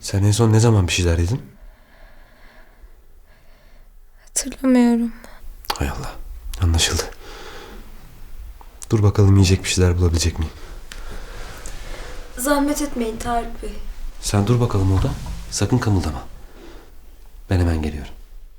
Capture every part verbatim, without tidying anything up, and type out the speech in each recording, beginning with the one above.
Sen en son ne zaman bir şeyler yedin? Hatırlamıyorum. Hay Allah. Anlaşıldı. Dur bakalım yiyecek bir şeyler bulabilecek miyim? Zahmet etmeyin Tarık Bey. Sen dur bakalım orada. Sakın kımıldama. Ben hemen geliyorum.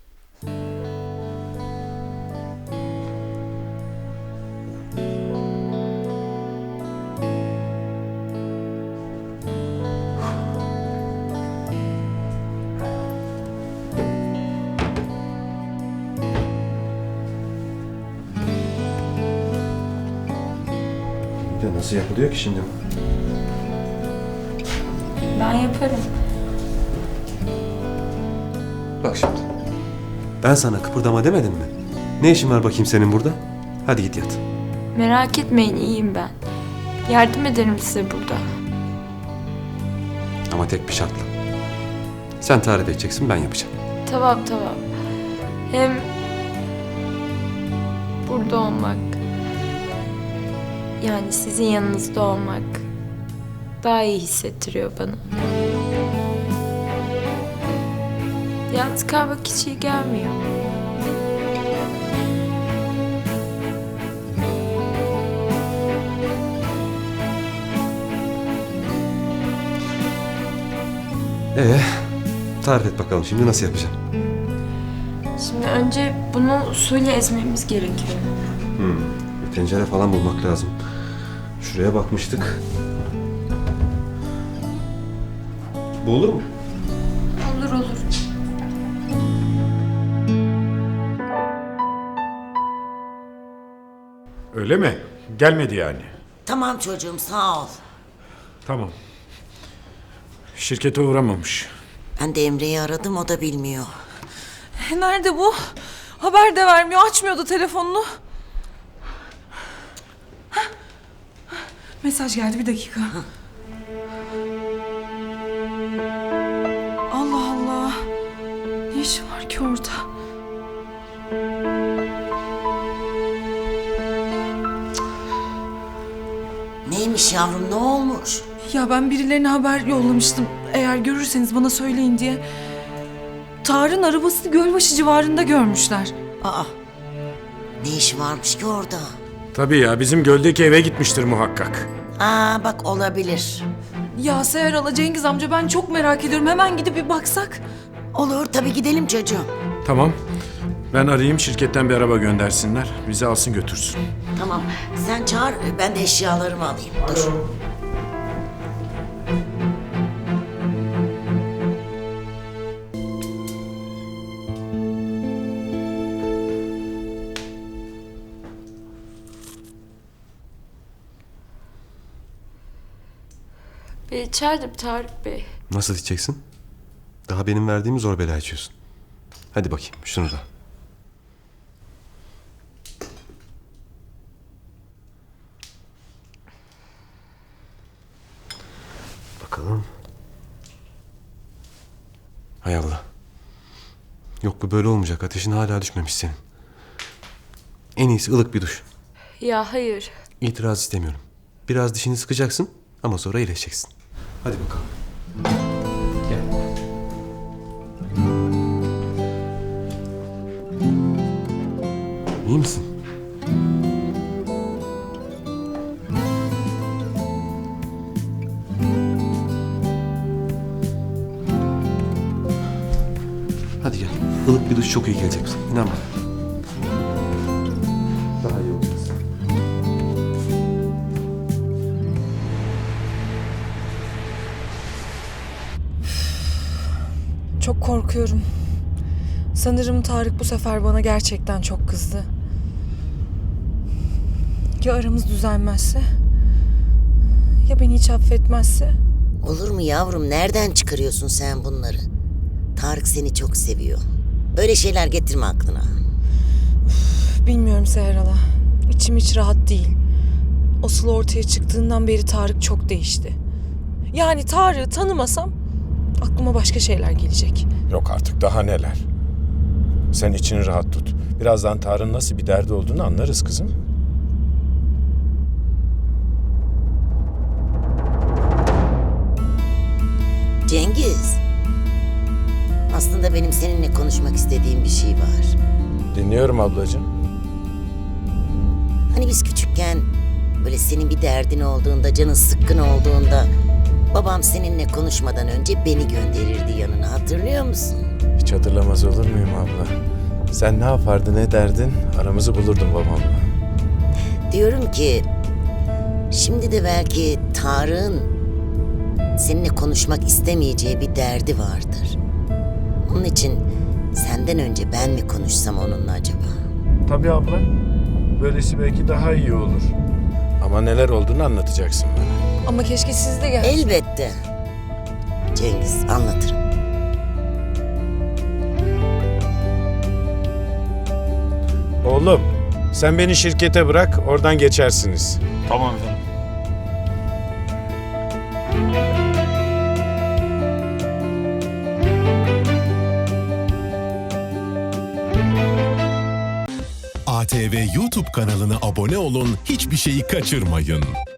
Bir de nasıl yapılıyor ki şimdi? Ben yaparım. Bak şimdi. Ben sana kıpırdama demedim mi? Ne işin var bakayım senin burada? Hadi git yat. Merak etmeyin, iyiyim ben. Yardım ederim size burada. Ama tek bir şartla. Sen tarif edeceksin, ben yapacağım. Tamam tamam. Hem burada olmak, yani sizin yanınızda olmak daha iyi hissettiriyor bana. Yalnız kalmak hiç iyi gelmiyor. Ee, tarif et bakalım şimdi nasıl yapacağım? Şimdi önce bunu suyla ezmemiz gerekiyor. Hmm, bir tencere falan bulmak lazım. Şuraya bakmıştık. Bu olur mu? Olur olur. Öyle mi? Gelmedi yani. Tamam çocuğum, sağ ol. Tamam. Şirkete uğramamış. Ben de Emre'yi aradım, o da bilmiyor. Nerede bu? Haber de vermiyor, açmıyordu telefonunu. Hah. Mesaj geldi, bir dakika. Allah Allah. Ne işi var ki orada? Neymiş yavrum, ne olmuş? Ya ben birilerine haber yollamıştım. Eğer görürseniz bana söyleyin diye. Tarık'ın arabasını Gölbaşı civarında görmüşler. Aa, ne işi varmış ki orada? Tabii ya, bizim göldeki eve gitmiştir muhakkak. Aa, bak olabilir. Ya Seher Hala, Cengiz amca, ben çok merak ediyorum. Hemen gidip bir baksak. Olur tabii, gidelim çocuğum. Tamam. Ben arayayım, şirketten bir araba göndersinler. Bizi alsın götürsün. Tamam, sen çağır, ben de eşyalarımı alayım. Dur. Ben içerdim Tarık Bey. Nasıl içeceksin? Daha benim verdiğimi zor bela içiyorsun. Hadi bakayım şunu da. Bakalım. Hay Allah. Yok bu böyle olmayacak. Ateşin hala düşmemiş senin. En iyisi ılık bir duş. Ya hayır. İtiraz istemiyorum. Biraz dişini sıkacaksın ama sonra iyileşeceksin. Hadi bakalım. Gel. İyi misin? Hadi gel. Ilık bir duş çok iyi gelecek bize. İnan bana. Daha iyi olacağız. Çok korkuyorum. Sanırım Tarık bu sefer bana gerçekten çok kızdı. Ya aramız düzelmezse? Ya beni hiç affetmezse? Olur mu yavrum, nereden çıkarıyorsun sen bunları? Tarık seni çok seviyor. Böyle şeyler getirme aklına. Bilmiyorum Seher Hala. İçim hiç rahat değil. O Sıla ortaya çıktığından beri Tarık çok değişti. Yani Tarık'ı tanımasam aklıma başka şeyler gelecek. Yok artık, daha neler. Sen içini rahat tut. Birazdan Tarık'ın nasıl bir derdi olduğunu anlarız kızım. Cengiz. Aslında benim seninle konuşmak istediğim bir şey var. Dinliyorum ablacığım. Hani biz küçükken böyle senin bir derdin olduğunda, canın sıkkın olduğunda babam seninle konuşmadan önce beni gönderirdi yanına, hatırlıyor musun? Hiç hatırlamaz olur muyum abla? Sen ne yapardın, ne derdin? Aramızı bulurdun babamla. Diyorum ki şimdi de belki Tarık'ın seninle konuşmak istemeyeceği bir derdi vardır. Onun için senden önce ben mi konuşsam onunla acaba? Tabii abla. Böylesi belki daha iyi olur. Ama neler olduğunu anlatacaksın bana. Ama keşke siz de gelseniz. Elbette. Cengiz, anlatırım. Oğlum, sen beni şirkete bırak, oradan geçersiniz. Tamam efendim. A T V YouTube kanalına abone olun, hiçbir şeyi kaçırmayın.